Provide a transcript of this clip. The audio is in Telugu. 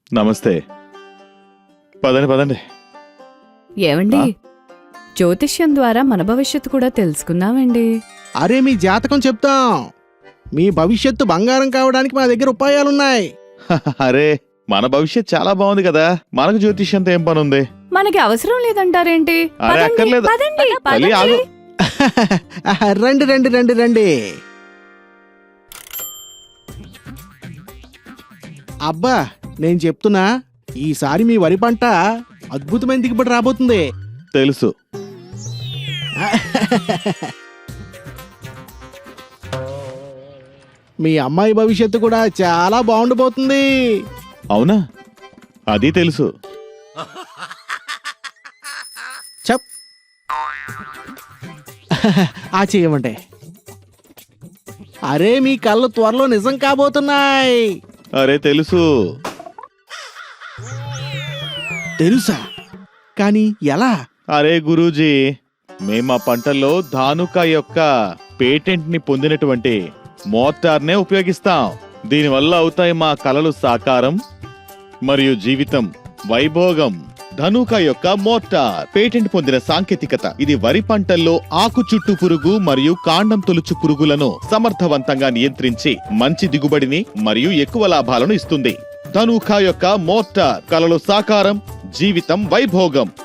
నమస్తే. పదండి పదండి. ఏవండి, జ్యోతిష్యం ద్వారా మన భవిష్యత్తు కూడా తెలుసుకుందామండి. అరే మీ జాతకం చెప్తాం. మీ భవిష్యత్తు బంగారం కావడానికి మా దగ్గర ఉపాయాలున్నాయి. అరే మన భవిష్యత్ చాలా బాగుంది కదా, మనకు జ్యోతిష్యంతో ఏం పని ఉంది? మనకి అవసరం లేదంటారేంటి? అరే అక్కర్లేదు. పదండి, తల్లి, ఆగు. రండి రండి రండి రండి. అబ్బా నేను చెప్తున్నా, ఈసారి మీ వరి పంట అద్భుతమైన దిగుబడి రాబోతుంది. తెలుసు. మీ అమ్మాయి భవిష్యత్తు కూడా చాలా బాగుండబోతుంది. అవునా? అది తెలుసు. చెప్ ఆ చేయమంటే. అరే మీ కళ్ళు త్వరలో నిజం కాబోతున్నాయి. అరే తెలుసు. తెలుసా? కానీ ఎలా? అరే గురూజీ, మేమా పంటల్లో ధానుక యొక్క పేటెంట్ ని పొందినటువంటి మోటార్నే ఉపయోగిస్తాం. దీనివల్ల అవుతాయి మా కలలు సాకారం మరియు జీవితం వైభోగం. ధనుక యొక్క మోటార్ పేటెంట్ పొందిన సాంకేతికత. ఇది వరి పంటల్లో ఆకు చుట్టు పురుగు మరియు కాండం తొలుచు పురుగులను సమర్థవంతంగా నియంత్రించి మంచి దిగుబడిని మరియు ఎక్కువ లాభాలను ఇస్తుంది. ధనుక యొక్క మోటార్ కలలు సాకారం, జీవితం వైభోగం.